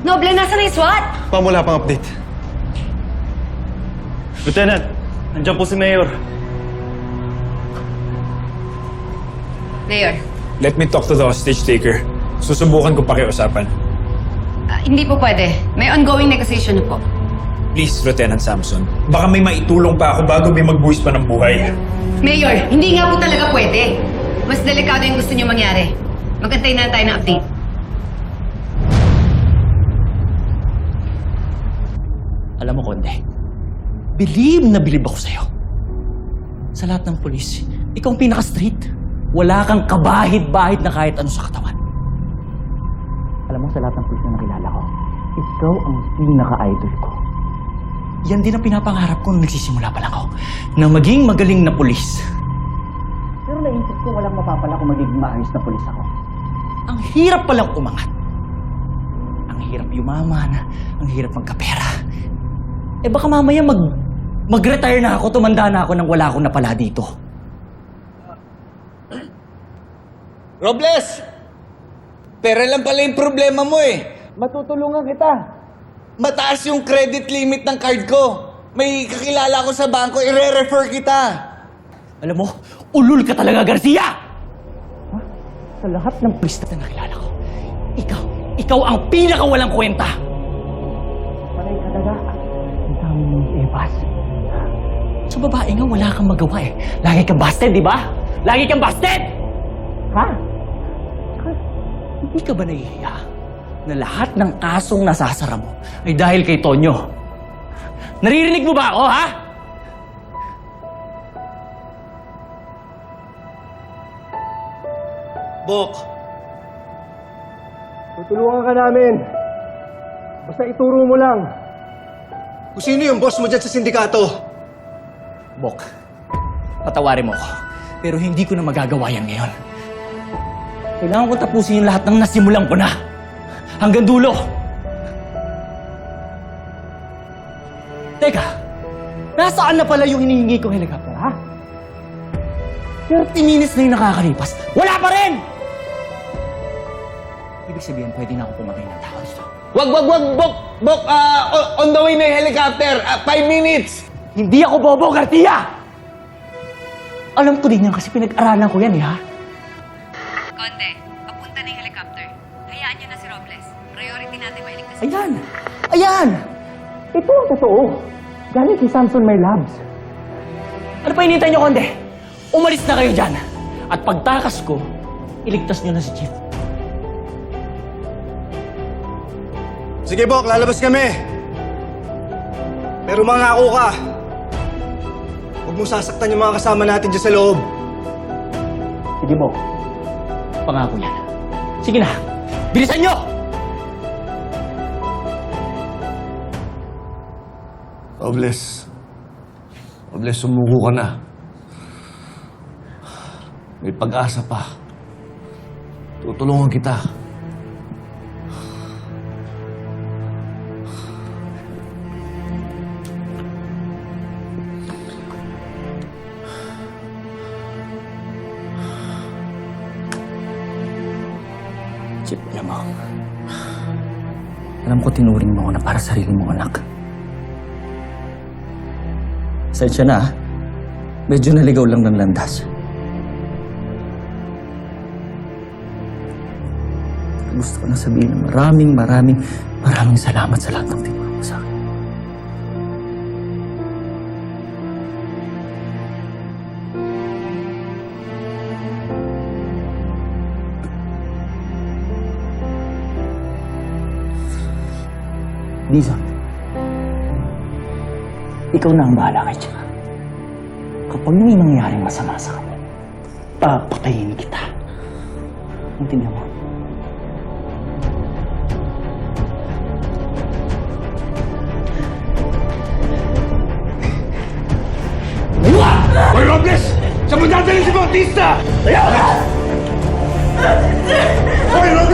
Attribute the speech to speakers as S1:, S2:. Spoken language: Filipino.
S1: Noble, nasa na yung SWAT?
S2: Ma'am, wala pang update.
S3: Lieutenant, nandiyan po si Mayor.
S1: Mayor,
S4: Let me talk to the hostage taker. Susubukan ko pakiusapan.
S1: hindi po pwede. May ongoing negotiation na po.
S4: Please, Lieutenant Samson. Baka may maitulong pa ako bago may magbuwis pa ng buhay.
S1: Mayor, hindi nga po talaga pwede. Mas delikado yung gusto niyo mangyari. Magantay na tayo ng update.
S5: Alam mo, Konde, bilib na bilib ako sa'yo. Sa lahat ng polis, ikaw ang pinaka-straight. Wala kang kabahid-bahid na kahit ano sa katawan. Alam mo, sa lahat ng polis na nakilala ko, ikaw ang pinaka-idol ko. Yan din ang pinapangarap ko nung nagsisimula pa lang ako, na maging magaling na polis. Pero naisip ko walang mapapala kung magiging maayos na polis ako. Ang hirap palang umangat. Ang hirap yumaman, ang hirap magkapera. Eh baka mamaya mag-retire na ako, tumanda na ako nang wala akong napala dito.
S6: Robles! Pera lang pala yung problema mo eh. Matutulungan kita. Mataas yung credit limit ng card ko. May kakilala ko sa bangko, i-refer kita.
S5: Alam mo, ulul ka talaga, Garcia! Ha? Sa lahat ng pulis na nakilala ko, ikaw ang pinakawalang kwenta! Panay ka talaga. Ang dami mong ebas. Sa babae nga, wala kang magawa eh. Lagi kang busted, di ba? Lagi kang busted! Ha? Saka, hindi ka ba nahihiya na lahat ng kasong nasasara mo ay dahil kay Tonyo? Naririnig mo ba ako, ha?
S2: Bok! Tutulungan ka namin. Basta ituro mo lang. Kung sino yung boss mo dyan sa sindikato?
S5: Bok, patawarin mo ko. Pero hindi ko na magagawa yan ngayon. Kailangan ko tapusin yung lahat ng nasimulan ko na. Hanggang dulo. Teka, nasaan na pala yung hinihingi kong helicopter, ha? 30 minutes na yung nakakalipas. Wala pa rin! Ibig sabihin, pwede na ako pumatay ng tao dito.
S6: Wag, Bok! Bok, on the way na yung helicopter. 5 minutes.
S5: Hindi ako bobo, Garcia! Alam ko din yan kasi pinag-aralan ko yan, ha?
S1: Konde, papunta na yung helicopter. Hayaan niyo na si Robles. Priority natin mailigtas.
S5: Ayan! Ayan! Ito ang totoo. Galing kay Samson My Labs. Ano pa hinihintay niyo, Konde? Umalis na kayo dyan. At pagtakas ko, iligtas niyo na si Chief.
S2: Sige, Bok, lalabas kami. Pero mangako ka. Huwag mo sasaktan yung mga kasama natin dyan sa loob.
S5: Sige mo. Pangako yan. Sige na. Bilisan niyo!
S7: Robles. Robles, sumuko ka na. May pag-asa pa. Tutulungan kita.
S5: Chip, alam ko tinuring mo ako na para sarili mong anak. Sensya na, medyo naligaw lang ng landas. Gusto ko na sabihin na maraming salamat sa lahat ng tinulong mo sa akin. Dizon, ikaw na ang bahala kay Chika. Kapag may mangyaring masama sa kanya, papatayin kita. Intindihan mo?
S4: Hoy, Robles! Saan mo dadalhin si Bautista?
S5: Ayaw!
S4: Hoy, Robles!